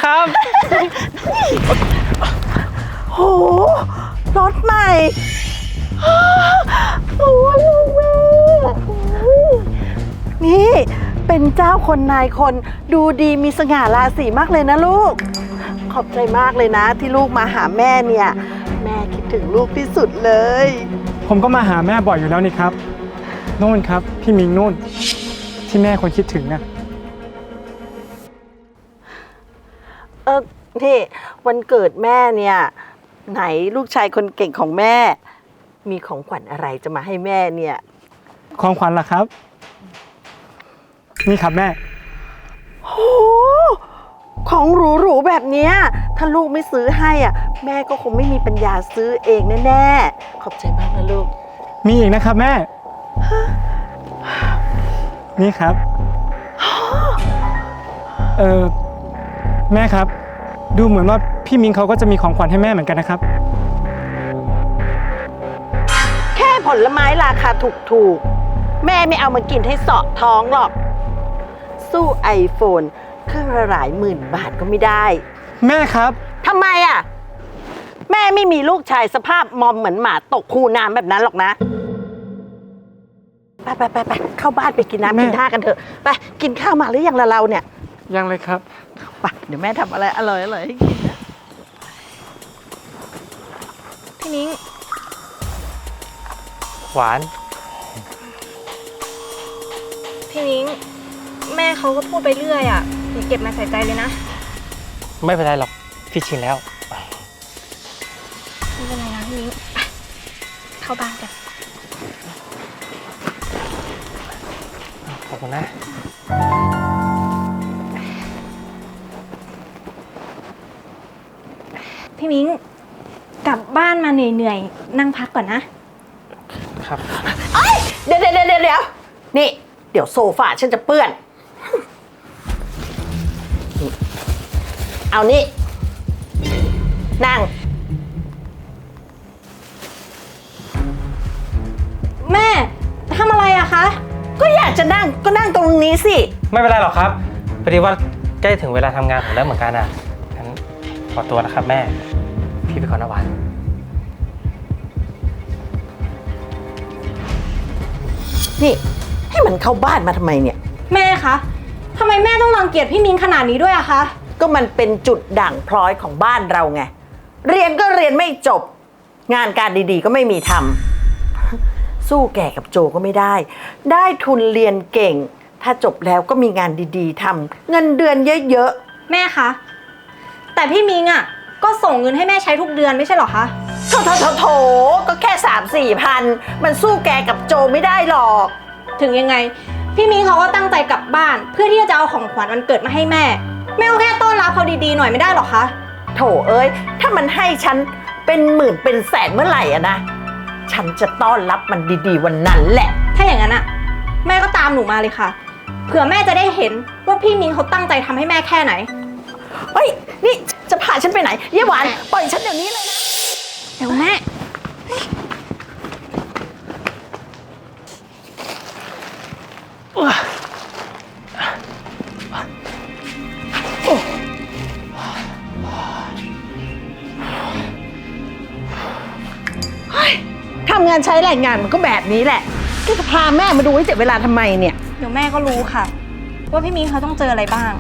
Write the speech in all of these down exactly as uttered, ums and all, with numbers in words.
ครับโหรถใหม่โอ้ยลูกแม่นี่เป็นเจ้าคนนายคนดูดีมีสง่าราศีมากเลยนะลูกขอบใจมากเลยนะที่ลูกมาหาแม่เนี่ยแม่คิดถึงลูกที่สุดเลยผมก็มาหาแม่บ่อยอยู่แล้วนี่ครับนู่นครับพี่มิงนู่นที่แม่คนคิดถึงน่ะเออนี่วันเกิดแม่เนี่ยไหนลูกชายคนเก่งของแม่มีของขวัญอะไรจะมาให้แม่เนี่ยของขวัญล่ะครับนี่ครับแม่โอ้ของหรูๆแบบเนี้ยถ้าลูกไม่ซื้อให้อ่ะแม่ก็คงไม่มีปัญญาซื้อเองแน่ๆขอบใจมากนะลูกมีอีกนะครับแม่นี่ครับเออแม่ครับดูเหมือนว่าพี่มิงเขาก็จะมีของขวัญให้แม่เหมือนกันนะครับแค่ผลไม้ราคาถูกๆแม่ไม่เอามากินให้เสาะท้องหรอกสู้ไอโฟนเครื่องละหลายหมื่นบาทก็ไม่ได้แม่ครับทำไมอ่ะแม่ไม่มีลูกชายสภาพมอมเหมือนหมาตกคูน้ำแบบนั้นหรอกนะไปไปไปไปเข้าบ้านไปกินน้ำกินท่ากันเถอะไปกินข้าวมาหรือยังละเราเนี่ยยังเลยครับไปเดี๋ยวแม่ทำอะไรอร่อยอร่อยให้กินนะพี่นิ้งหวานพี่นิ้งแม่เขาก็พูดไปเรื่อยอ่ะอย่าเก็บมาใส่ใจเลยนะไม่เป็นไรหรอกพี่ชินแล้วไม่เป็นไรนะพี่นิ้งเข้าบ้านกันขอบคุณนะพี่มิ้งกลับบ้านมาเหนื่อยๆนั่งพักก่อนนะครับเดี๋ยวเดี๋ยวเดี๋ยวเดี๋ยวนี่เดี๋ยวโซฟาฉันจะเปื้อนเอานี่นั่งแม่ทำอะไรอะคะก็อยากจะนั่งก็นั่งตรงนี้สิไม่เป็นไรหรอกครับพอดีว่าใกล้ถึงเวลาทำงานผมแล้วเหมือนกันอ่ะงั้นขอตัวนะครับแม่พี่ไปก่อนนะหวานนี่ให้มันเข้าบ้านมาทำไมเนี่ยแม่คะทำไมแม่ต้องรังเกียจพี่มิ้งขนาดนี้ด้วยอะคะก็มันเป็นจุดด่างพร้อยของบ้านเราไงเรียนก็เรียนไม่จบงานการดีๆก็ไม่มีทำสู้แก่กับโจก็ไม่ได้ได้ทุนเรียนเก่งถ้าจบแล้วก็มีงานดีๆทำเงินเดือนเยอะๆแม่คะแต่พี่มิ้งอะก็ส่งเงินให้แม่ใช้ทุกเดือนไม่ใช่หรอคะโถโถโถโถก็แค่สามสี่พันมันสู้แกกับโจไม่ได้หรอกถึงยังไงพี่มิ้งเขาก็ตั้งใจกลับบ้านเพื่อที่จะเอาของขวัญวันเกิดมาให้แม่แม่ก็แค่ต้อนรับเขาดีๆหน่อยไม่ได้หรอคะโถเอ้ยถ้ามันให้ฉันเป็นหมื่นเป็นแสนเมื่อไหร่อะนะฉันจะต้อนรับมันดีๆวันนั้นแหละถ้าอย่างนั้นอะแม่ก็ตามหนูมาเลยค่ะเผื่อแม่จะได้เห็นว่าพี่มิ้งเขาตั้งใจทำให้แม่แค่ไหนเฮ้ยนี่จะพาฉันไปไหนเยี่ยหวานปล่อยฉันเดี๋ยวนี้เลยนะเดี๋ยวแม่ทำงานใช้แรงงานมันก็แบบนี้แหละก็จะพาแม่มาดูให้เจ็บเวลาทำไมเนี่ยเดี๋ยวแม่ก็รู้ค่ะว่าพี่มิ้งเขาต้องเจออะไรบ้าง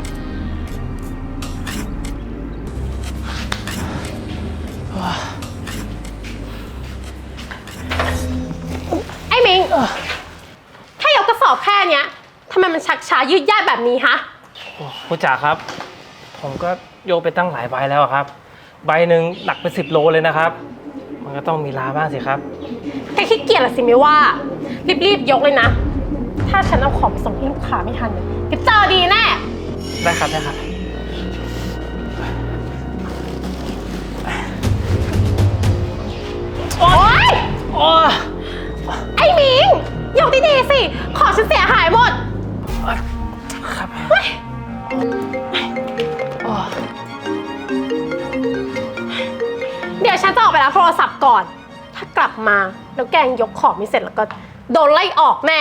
ไอ้มิงแค่ยกกระสอบแค่เนี้ยทำไมมันชักช้ายืดยาดแบบนี้ฮะผู้จ่าครับผมก็โยกไปตั้งหลายใบแล้วครับใบหนึ่งหนักเป็นสิบโลเลยนะครับมันก็ต้องมีลาบ้างสิครับแค่ขี้เกียจละสิไม่ว่ารีบๆยกเลยนะถ้าฉันเอาของไปส่งให้ลูกค้าไม่ทันก็เจอดีแน่ได้ครับได้ครับโอ๊ยโอ๊ยไอ้มิงยกดีๆสิของฉันเสียหายหมดครับเดี๋ยวฉันจะออกไปรับโทรศัพท์ก่อนถ้ากลับมาแล้วแกงยกของไม่เสร็จแล้วก็โดนไล่ออกแน่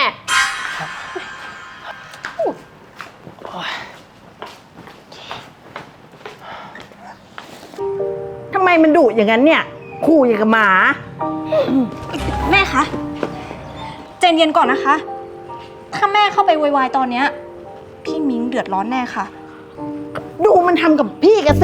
มันดุอย่างนั้นเนี่ยขู่อย่างกับหมาแม่คะใจเย็นก่อนนะคะ ถ้าแม่เข้าไปโวยวายตอนเนี้ยพี่มิ้งเดือดร้อนแน่ค่ะดูมันทำกับพี่กันสิ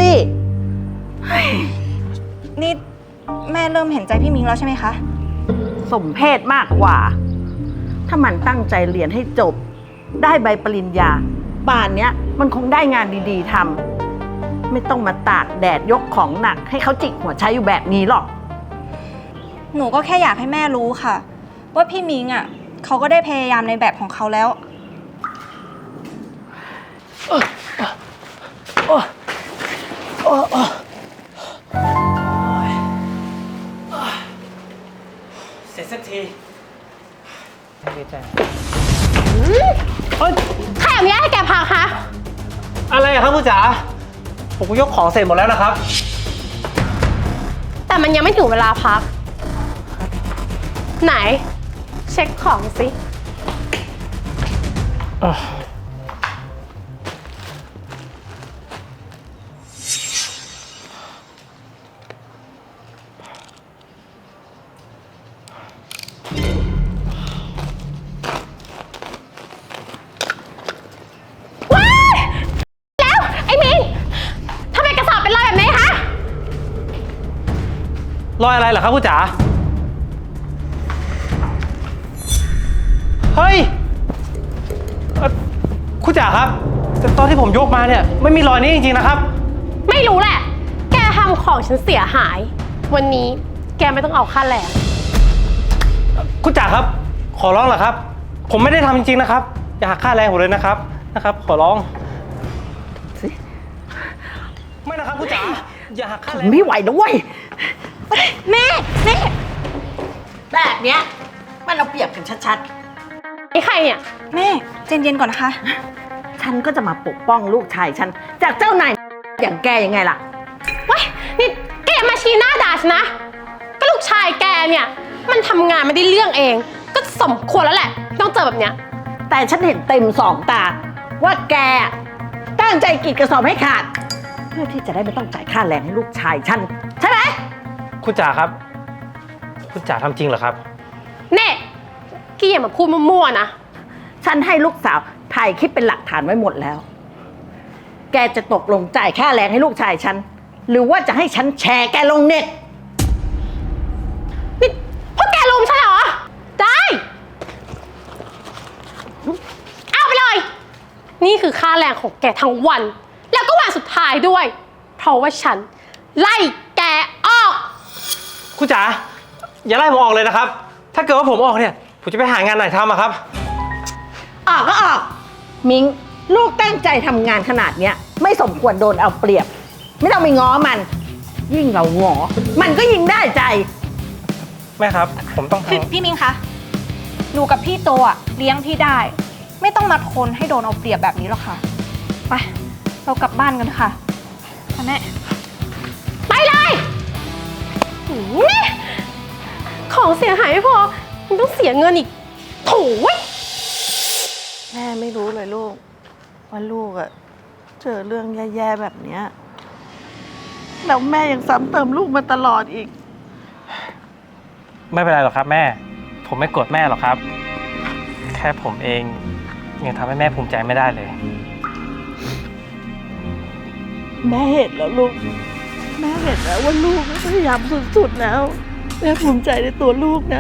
นี่แม่เริ่มเห็นใจพี่มิ้งแล้วใช่ไหมคะสมเพศมากกว่า ถ้ามันตั้งใจเรียนให้จบ ได้ใบปริญญาป่านเนี้ยมันคงได้งานดีๆทำไม่ต้องมาตากแดดยกของหนัก ให้เขาจิกหัวใช้อยู่แบบนี้หรอกหนูก็แค่อยากให้แม่รู้ค่ะ ว่าพี่มิ้งอ่ะเขาก็ได้พยายามในแบบของเขาแล้วเสร็จสักทีดีใจใครอนุญาตให้แกพักคะอะไรอะครับผู้จ๋าผมก็ยกของเสร็จหมดแล้วนะครับแต่มันยังไม่ถึงเวลาพัก ไหน เช็คของสิ ว้าย แล้ว ไอ้มิงทำไมกระสอบเป็นรอยแบบนี้คะรอยอะไรเหรอครับผู้จ๋าเฮ้ยเอ่อคุณจ๋าครับแต่ตอนที่ผมยกมาเนี่ยไม่มีรอยนี้จริงๆนะครับไม่รู้แหละ แกทำของฉันเสียหาย วันนี้แกไม่ต้องเอาค่าแรงคุณจ๋าครับ ขอร้องเหรอครับ ผมไม่ได้ทำจริงๆนะครับ อย่าหักค่าแรงผมเลยนะครับนะครับ ขอร้องไม่นะครับคุณจ๋าอย่าหักค่าแรงไม่ไหวนะเว้ยแม่แม่แบบเนี้ยมันเอาเปรียบกันชัดไอ้ใครเนี่ยแม่ใจเย็นก่อนนะคะๆ ฉันก็จะมาปกป้องลูกชายฉัน จากเจ้านายอย่างแกยังไงล่ะว้ายนี่แกอย่ามาชี้หน้าด่าฉันนะ ก็ลูกชายแกเนี่ย มันทำงานไม่ได้เรื่องเอง ก็สมควรแล้วแหละ ต้องเจอแบบเนี้ยแต่ฉันเห็นเต็มสองตา ว่าแกตั้งใจกรีดกระสอบให้ขาด เพื่อที่จะได้ไม่ต้องจ่ายค่าแรงให้ลูกชายฉัน ใช่ไหมคุณจ๋าครับ คุณจ๋าทำจริงเหรอครับเน่กี้อย่ามาพูดมั่วๆนะฉันให้ลูกสาวถ่ายคลิปเป็นหลักฐานไว้หมดแล้ว แกจะตกลงจ่ายค่าแรงให้ลูกชายฉัน หรือว่าจะให้ฉันแชร์แกลงเน็ตนี่พวกแกลุมฉันเหรอ ได้ เอาไปเลย นี่คือค่าแรงของแกทั้งวัน แล้วก็วันสุดท้ายด้วย เพราะว่าฉัน ไล่แกออกคุณจ๋าอย่าไล่ผมออกเลยนะครับ ถ้าเกิดว่าผมออกเนี่ยผมจะไปหางานไหนทำอะครับออกก็ออก มิงลูกตั้งใจทำงานขนาดเนี้ยไม่สมควรโดนเอาเปรียบ ไม่ต้องไปง้อมัน ยิ่งเราง้อมันก็ยิ่งได้ใจแม่ครับ ผมต้องทพี่พี่มิ้งคะ หนูกับพี่โตอ่ะเลี้ยงพี่ได้ ไม่ต้องมาทนให้โดนเอาเปรียบแบบนี้หรอกค่ะ ไป เรากลับบ้านกันค่ะค่ะแม่ไปเลยหือนี่ของเสียหายไม่พอยังต้องเสียเงินอีกโถ่เว้ยแม่ไม่รู้เลยลูก ว่าลูกอะเจอเรื่องแย่ๆแบบเนี้ยแล้วแม่ยังซ้ำเติมลูกมาตลอดอีกำไม่เป็นไรหรอกครับแม่ ผมไม่โกรธแม่หรอกครับ แค่ผมเองยังทำให้แม่ภูมิใจไม่ได้เลยแม่เห็นแล้วลูก แม่เห็นแล้วว่าลูกพยายามสุดๆแล้ว แม่ภูมิใจในตัวลูกนะ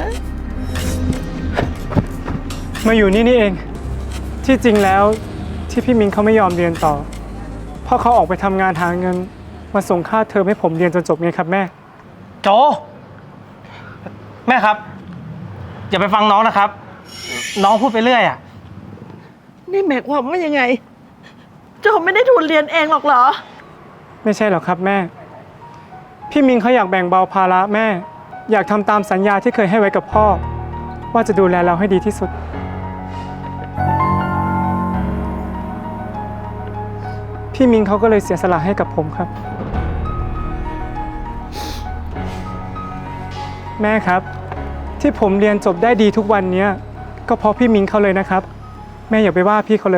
มาอยู่นี่นี่เอง ที่จริงแล้วที่พี่มิงเขาไม่ยอมเรียนต่อ เพราะเขาออกไปทำงานหาเงินมาส่งค่าเทอมให้ผมเรียนจนจบไงครับแม่โจแม่ครับ อย่าไปฟังน้องนะครับ น้องพูดไปเรื่อยอ่ะนี่หมายความว่ายังไง โจไม่ได้ทุนเรียนเองหรอกเหรอไม่ใช่หรอกครับแม่ พี่มิงเขาอยากแบ่งเบาภาระแม่ อยากทำตามสัญญาที่เคยให้ไว้กับพ่อ ว่าจะดูแลเราให้ดีที่สุด พี่มิงเขาก็เลยเสียสละให้กับผมครับ แม่ครับ ที่ผมเรียนจบได้ดีทุกวันนี้ก็เพราะพี่มิงเขาเลยนะครับ แม่อย่าไปว่าพี่เขาเลย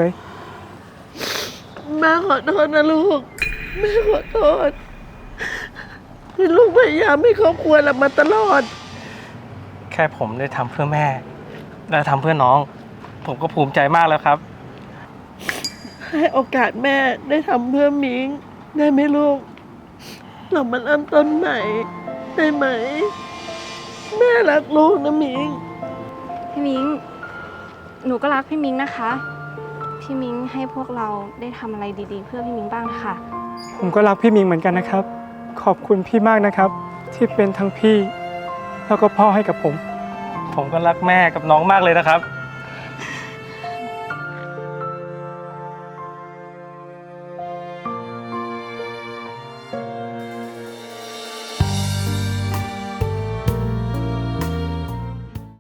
แม่ขอโทษนะลูก แม่ขอโทษที่ลูกพยายามให้ครอบครัวเรามาตลอดแค่ผมได้ทำเพื่อแม่ และทำเพื่อน้อง ผมก็ภูมิใจมากแล้วครับให้โอกาสแม่ได้ทำเพื่อมิงได้ไหมลูก เรามาเริ่มต้นใหม่ได้ไหม แม่รักลูกนะมิงพี่มิง หนูก็รักพี่มิงนะคะ พี่มิงให้พวกเราได้ทำอะไรดีๆ เพื่อพี่มิงบ้างนะคะผมก็รักพี่มิงเหมือนกันนะครับ ขอบคุณพี่มากนะครับ ที่เป็นทั้งพี่ แล้วก็พ่อให้กับผมผมก็รักแม่กับน้องมากเลยนะครับ